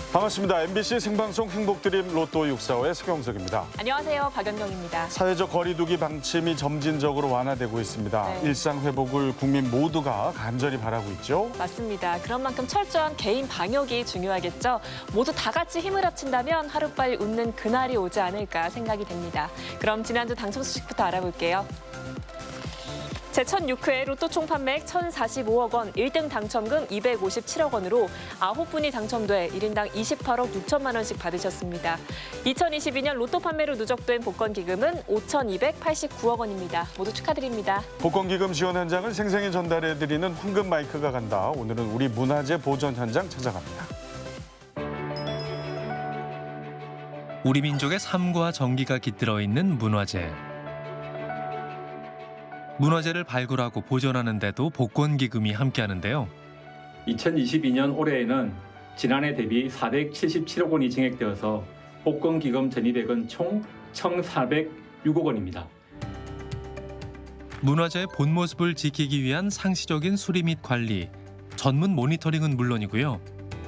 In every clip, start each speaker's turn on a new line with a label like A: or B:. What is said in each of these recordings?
A: 반갑습니다. MBC 생방송 행복드림 로또 645의 서경석입니다.
B: 안녕하세요. 박연경입니다.
A: 사회적 거리두기 방침이 점진적으로 완화되고 있습니다.
B: 네.
A: 일상 회복을 국민 모두가 간절히 바라고 있죠.
B: 맞습니다. 그런 만큼 철저한 개인 방역이 중요하겠죠. 모두 다 같이 힘을 합친다면 하루빨리 웃는 그날이 오지 않을까 생각이 됩니다. 그럼 지난주 당첨 소식부터 알아볼게요. 제1006회 로또 총 판매액 1,045억 원, 1등 당첨금 257억 원으로 9분이 당첨돼 1인당 28억 6천만 원씩 받으셨습니다. 2022년 로또 판매로 누적된 복권 기금은 5,289억 원입니다. 모두 축하드립니다.
A: 복권 기금 지원 현장을 생생히 전달해드리는 황금 마이크가 간다. 오늘은 우리 문화재 보존 현장 찾아갑니다.
C: 우리 민족의 삶과 정기가 깃들어 있는 문화재. 문화재를 발굴하고 보존하는 데도 복권기금이 함께하는데요.
D: 2022년 올해에는 지난해 대비 477억 원이 증액되어서 복권기금 전입액은 총 1,406억 원입니다.
C: 문화재의 본 모습을 지키기 위한 상시적인 수리 및 관리, 전문 모니터링은 물론이고요.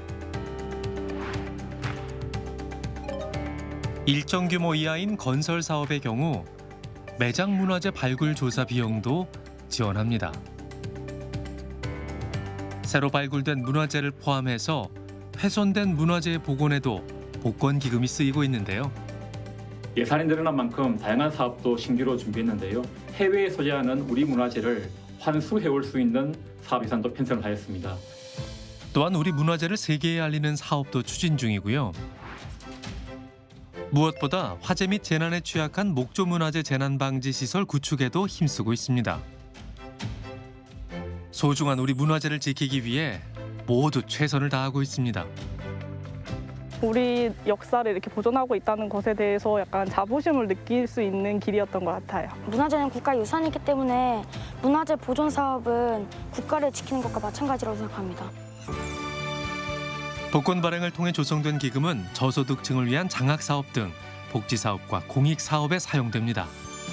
C: 일정 규모 이하인 건설 사업의 경우 매장 문화재 발굴 조사 비용도 지원합니다. 새로 발굴된 문화재를 포함해서 훼손된 문화재의 복원에도 복권 기금이 쓰이고 있는데요.
D: 예산이 늘어난 만큼 다양한 사업도 신규로 준비했는데요. 해외에 소재하는 우리 문화재를 환수해올 수 있는 사업 예산도 편성을 하였습니다.
C: 또한 우리 문화재를 세계에 알리는 사업도 추진 중이고요. 무엇보다 화재 및 재난에 취약한 목조문화재 재난방지 시설 구축에도 힘쓰고 있습니다. 소중한 우리 문화재를 지키기 위해 모두 최선을 다하고 있습니다.
E: 우리 역사를 이렇게 보존하고 있다는 것에 대해서 약간 자부심을 느낄 수 있는 길이었던 것 같아요.
F: 문화재는 국가유산이기 때문에 문화재 보존 사업은 국가를 지키는 것과 마찬가지라고 생각합니다.
C: 복권 발행을 통해 조성된 기금은 저소득층을 위한 장학사업 등 복지사업과 공익사업에 사용됩니다.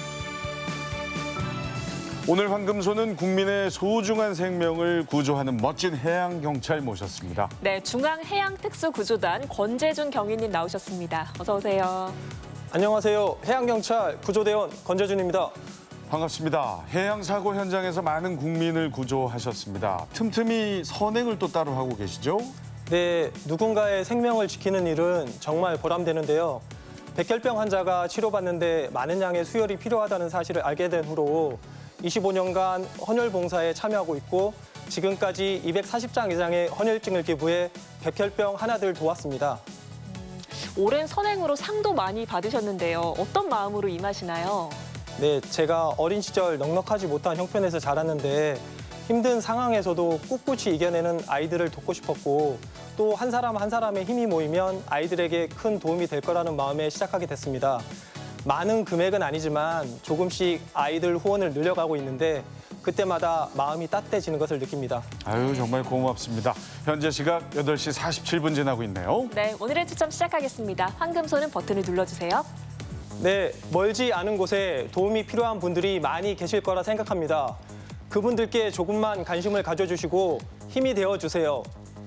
A: 오늘 황금소는 국민의 소중한 생명을 구조하는 멋진 해양경찰 모셨습니다.
B: 네, 중앙해양특수구조단 권재준 경위님 나오셨습니다. 어서 오세요.
G: 안녕하세요. 해양경찰 구조대원 권재준입니다.
A: 반갑습니다. 해양사고 현장에서 많은 국민을 구조하셨습니다. 틈틈이 선행을 또 따로 하고 계시죠?
G: 네, 누군가의 생명을 지키는 일은 정말 보람되는데요. 백혈병 환자가 치료받는데 많은 양의 수혈이 필요하다는 사실을 알게 된 후로 25년간 헌혈 봉사에 참여하고 있고 지금까지 240장 이상의 헌혈증을 기부해 백혈병 하나들 도왔습니다.
B: 오랜 선행으로 상도 많이 받으셨는데요. 어떤 마음으로 임하시나요?
G: 네, 제가 어린 시절 넉넉하지 못한 형편에서 자랐는데 힘든 상황에서도 꿋꿋이 이겨내는 아이들을 돕고 싶었고 또 한 사람 한 사람의 힘이 모이면 아이들에게 큰 도움이 될 거라는 마음에 시작하게 됐습니다. 많은 금액은 아니지만 조금씩 아이들 후원을 늘려가고 있는데 그때마다 마음이 따뜻해지는 것을 느낍니다.
A: 아유, 정말 고맙습니다. 현재 시각 8시 47분 지나고 있네요.
B: 네, 오늘의 추첨 시작하겠습니다. 황금소는 버튼을 눌러주세요.
G: 네, 멀지 않은 곳에 도움이 필요한 분들이 많이 계실 거라 생각합니다. 그분들께 조금만 관심을 가져주시고 힘이 되어주세요.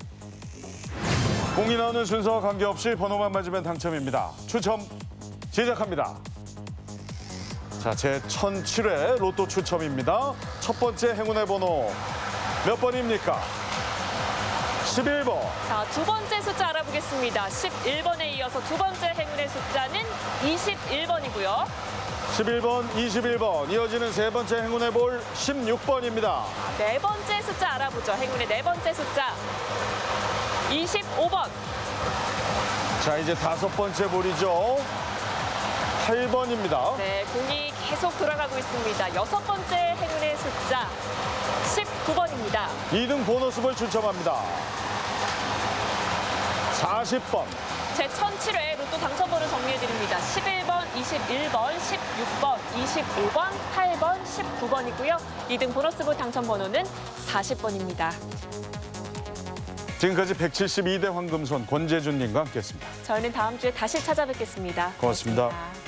A: 공이 나오는 순서와 관계없이 번호만 맞으면 당첨입니다. 추첨 시작합니다. 자, 제1007회 로또 추첨입니다. 첫 번째 행운의 번호 몇 번입니까? 11번.
B: 자, 두 번째 숫자 알아보겠습니다. 11번에 이어서 두 번째 행운의 숫자는 21번이고요.
A: 11번, 21번. 이어지는 세 번째 행운의 볼 16번입니다.
B: 네 번째 숫자 알아보죠. 행운의 네 번째 숫자 25번.
A: 자, 이제 다섯 번째 볼이죠. 8번입니다.
B: 네, 공이 계속 돌아가고 있습니다. 여섯 번째 행운의 숫자 19번입니다.
A: 2등 보너스볼 추첨합니다. 40번.
B: 제1007회 로또 당첨번호 정리해드립니다. 11번, 21번, 16번, 25번, 8번, 19번이고요. 2등 보너스볼 당첨번호는 40번입니다.
A: 지금까지 172대 황금손 권재준님과 함께했습니다.
B: 저희는 다음 주에 다시 찾아뵙겠습니다.
A: 고맙습니다.
B: 고맙습니다.